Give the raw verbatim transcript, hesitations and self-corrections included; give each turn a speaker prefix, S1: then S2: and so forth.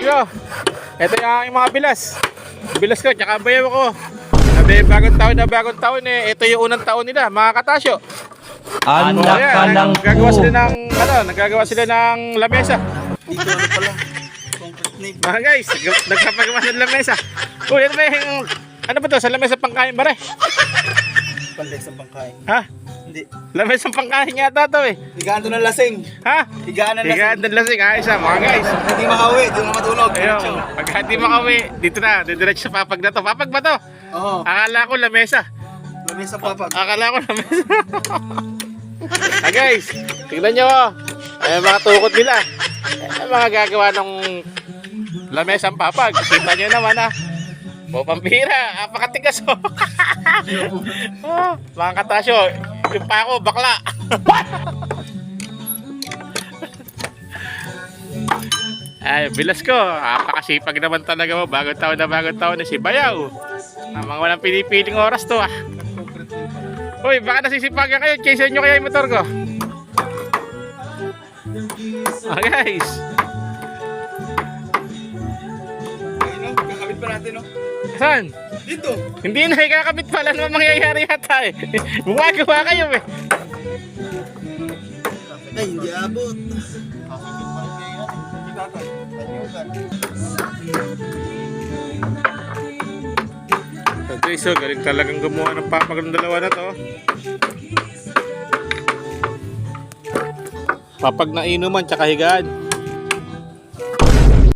S1: Yo, ito yung aking mga bilas. Bilas ko, tsaka bayaw ko. Sabi, bagong taon na bagong taon eh. Ito yung unang taon nila, mga katasyo.
S2: Anak
S1: Oh,
S2: ka
S1: ayan,
S2: lang
S1: nagagawa
S2: po.
S1: sila ng, ano, nagagawa sila ng lamesa.
S3: Dito ano pala? Concrete name.
S1: Mga guys, nag- nagpapagawa ng lamesa. Uy, ano ba yung, ano ba to? Sa lamesa pangkain ba rin?
S3: Panday sa pangkain.
S1: Ha?
S3: Hindi.
S1: Lamesa pangkain yata to eh.
S3: Higaan to ng lasing.
S1: Ha?
S3: Higaan ng lasing.
S1: Higaan ng lasing, ayos ah, mga guys.
S3: Hindi makauwi, doon na matulog.
S1: Ayun, pagka di makauwi, dito na, didiretso sa papag na to. Papag ba to?
S3: Oo.
S1: Akala ko lamesa.
S3: Lamesa papag.
S1: Akala ko lamesa. Ah guys, tignan nyo oh. Ay mga tukod nila. Ay mga gagawa ng lamesang papag. Kita nyo naman ah. O pampira, apakatigas oh. Oh, mga katasyo, yung pa ako, bakla. Ay, bilas ko. Apakasipag naman talaga mo. Bagong taon na bagong taon na si Bayaw. Ang mga walang pinipiling oras to ah. Uy, baka nasisipagan kayo. Chase nyo kaya yung motor ko. Ah guys.
S3: Ayun o, kakabit pa natin o.
S1: Saan?
S3: Dito.
S1: Hindi na ikakabit pala naman mangyayari yata eh. Bumagawa kayo eh.
S3: Ay, hindi abot. Kakabit pa rin kayo yan. Hindi tatay. Tanyugan.
S1: Okay, so galing talagang gumawa ng papag ng dalawa na to. Papag na inuman tsaka higaan.